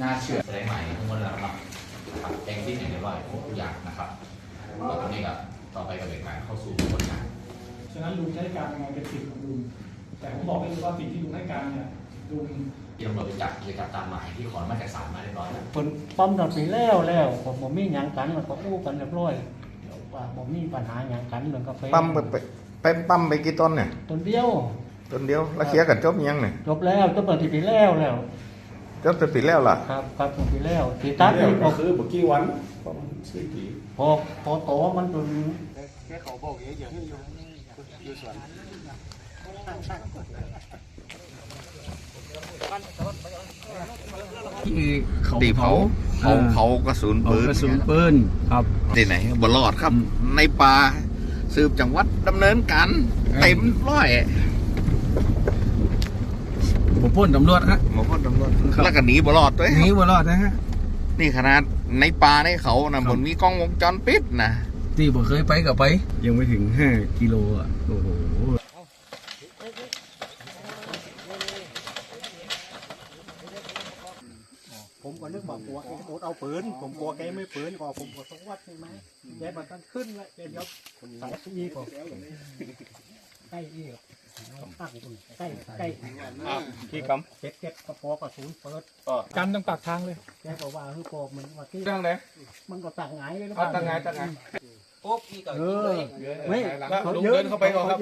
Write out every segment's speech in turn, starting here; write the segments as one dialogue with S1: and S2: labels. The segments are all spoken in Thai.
S1: น่าเชื่อแสดงใหม่ทั้งหมดแล้วครับแจ้งที่ไหนเรียบร้อยทุกอย่างนะครับแล้วตอนนี้ก็ต่อไปกับการเข้าสู่กระบวนการ
S2: ฉะนั้นลุงใช้การยังไงเป็นสิทธิ์ของลุงแต่ผมบอกได้เลยว่าสิ่งที่ลุงให้การเนี่ยลุง
S1: ที่ตำรวจไปจับกิจกรรมตามหมายที่ขอมาจากศาลมาเรียบร้อยแล้ว
S3: คนปั๊มตัดสินแล้วผมมีหยังกันมันก็อู้กันเรียบร้อยว่าผมมีปัญหาหยังกันเรื่องกาแฟ
S4: ปั๊มไปปั๊มไปกี่ต้นเนี่ย
S3: ต้นเดียว
S4: แล้วเคลียร์กันจบยังเนี่ย
S3: จบแล้วจบตอนที่ปีแล้ว
S4: จบปีแล้วล่ะ
S3: ครับตอนปีแล้วตีตัด
S2: ก็คือเมื่อกี้วัน
S3: พอโตมันจน
S2: แค่เขาบอกเยอะๆให้อยู่สวน
S4: ตีเผากระสุนปืน
S3: ครับ
S4: ที่ไหนบ่รอดครับในป่าสืบจังหวัดดำเนินการเต็มร้อย
S3: ผมพ่นตำรวจฮะ
S4: แล้วก็หนีบ่รอดด้วย
S3: หนีบ่รอดนะฮะ
S4: นี่ขนาดในป่าในเขานะบนมีกล้องวงจรปิดนะ
S3: ที่ผมเคยไปกับไปยังไม่ถึง5 กิโลอ่ะโอ้โหผมก็นึกว่ากลัวแกโดดเอาปืนผมกลัวแกไม่ปืนก็ผมก็ต้องวัดใช่ไหมแกมันตั้งขึ้นแล้วแกยกใส่อีกใกล้อีกตั้งใกล้
S4: ที่กำ
S3: เก็บกระป๋อกระสุนเปิด
S2: กันต้องปากทางเลย
S3: แกบอกว่าคือโกมันว่าที่
S4: ตั้งเลย
S3: มันก็ตั้งไงเลย
S4: ตั้งไง
S1: ปุ๊บอีก
S3: ไม่
S4: ลุงเดินเข้าไปก่อนครับ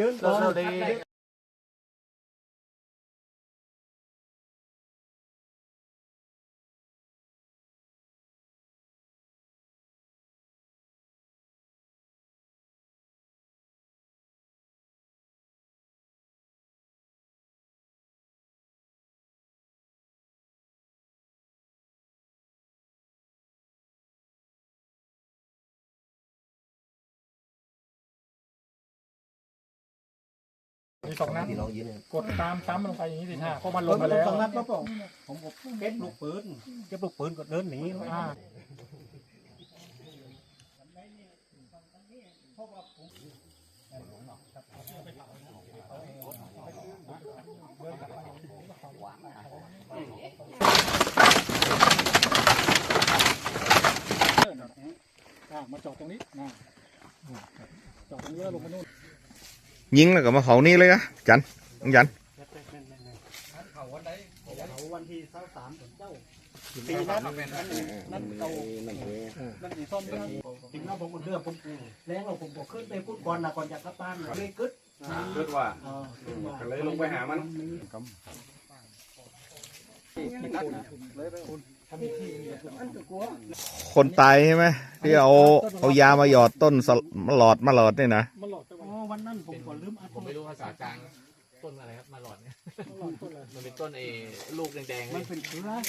S2: มี2 นัดกดตามซ้ำลงไปอย่างนี้สิฮะเพราะมันลงมาแล้ว
S3: 2 นัดแล้วผมเก็บลูกปืนก็เดินหนี
S2: มาจอดตรงนี้จอดตรงนี้แล้วลงมาโน่น
S4: ยิงแล้วก็มาเขานี่เลยอะจัน
S3: เขาวันที่23เจ้าปีนั้นนั่นสีส้มจริงแล้วผมเลือกผมแล้วผมบอกขึ้นไปพูดก่อนนะก่อนจะกลับบ้านเลยกึด
S4: ว่าเลยลงไปหามันคนตายใช่ไหมที่เอายามาหยอดต้นมาหลอดนี่นะ
S3: วันนั้นผมก็ลืม
S1: ผมไม่รู้ภาษากลางต้นอะไรครับมาหลอดเนี่ยมันเป็นต้นลูกแดงๆ
S3: มันเป็นเชื้อ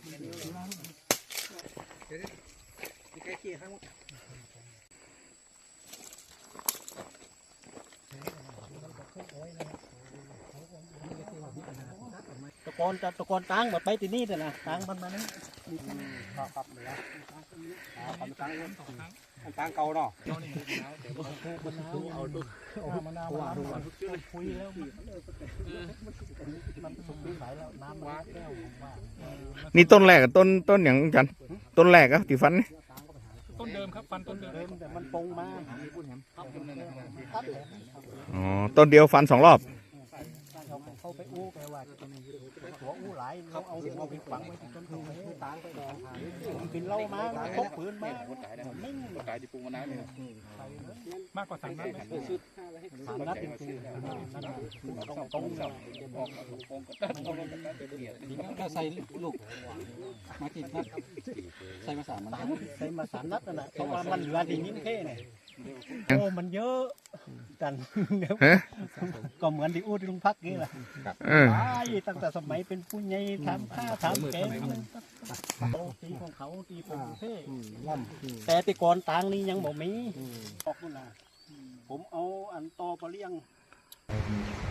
S3: ตะกอนตั้งแบบไปที่นี่แต่นะตั้งมันมานี่
S2: ครับเลยนะตั้งเก่าเนาะ
S3: มะนาวคุยแล้วมันสุกปีไหนแล้วน้ำว้าแก้ว
S4: นี่ต้นแรกกับต้นอย่างจันต้นแรกอะที่ฟันนี่
S2: ต้นเดิมครับฟันต้นเดิม
S3: แต่มันปงมา
S4: อ๋อต้นเดียวฟัน2 รอบ
S3: เขาไปอู้ไปว่าหัวอู้หลายเขาเอาหัวไปฝังไว้จนเขาไม่ตายไปดองกินเหล้ามาพกปืนมาไม่
S2: ตายที่ปรุงมานานเลยมากกว่า3 นัด
S3: 3 นัดจริงๆนั่นตรง
S1: ก็ใส่ลูกมากี่นัดใส่มา3 นัด
S3: นั่นแหละเพราะว่ามันเหลือดีนิ้มแค่เนี่ยโอ้มันเยอะกันก็เหมือนที่อู้ที่ลุงพักนี่แหละตั้งแต่สมัยเป็นผู้ใหญ่ทำผ้าทำแกงตีของเขาตีผมเท่แต่ตีก่อนต่างนี้ยังบ่มีออกนู่นนะผมเอาอันตอปลาเลี้ยง